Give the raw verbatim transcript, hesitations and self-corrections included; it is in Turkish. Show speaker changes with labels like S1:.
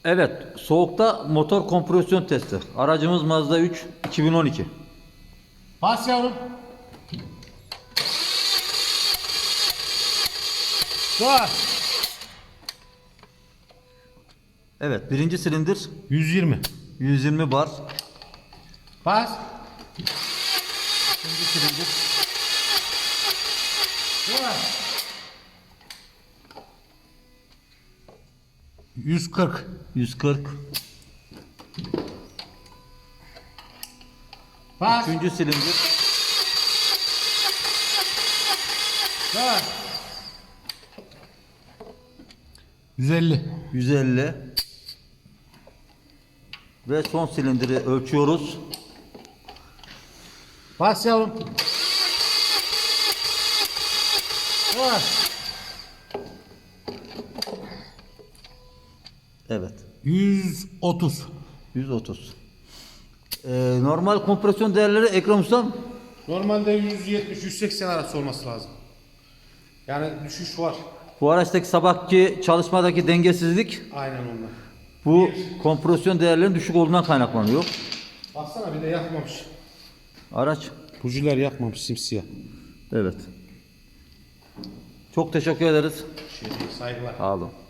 S1: Evet, soğukta motor kompresyon testi. Aracımız Mazda üç iki bin on iki.
S2: Bas yavrum. Dur.
S1: Evet, birinci silindir
S2: yüz yirmi.
S1: yüz yirmi bar.
S2: Bas.
S1: İkinci silindir
S2: Dur. yüz kırk.
S1: yüz kırk.
S2: Bas.
S1: Üçüncü silindir
S2: Dur. yüz elli.
S1: yüz elli. Ve son silindiri ölçüyoruz.
S2: Bas yavrum. Dur.
S1: Evet,
S2: yüz otuz.
S1: yüz otuz. Ee, normal kompresyon değerleri Ekrem Ustam
S2: Normalde yüz yetmiş yüz seksen arası olması lazım. Yani düşüş var.
S1: bu araçtaki sabahki çalışmadaki dengesizlik
S2: Aynen ondan.
S1: bu kompresyon değerlerinin düşük olduğundan kaynaklanıyor.
S2: Baksana bir de yakmamış.
S1: Araç.
S2: Bujiler yakmamış simsiyah.
S1: Evet. Çok teşekkür ederiz.
S2: Şey, saygılar.
S1: Sağ olun.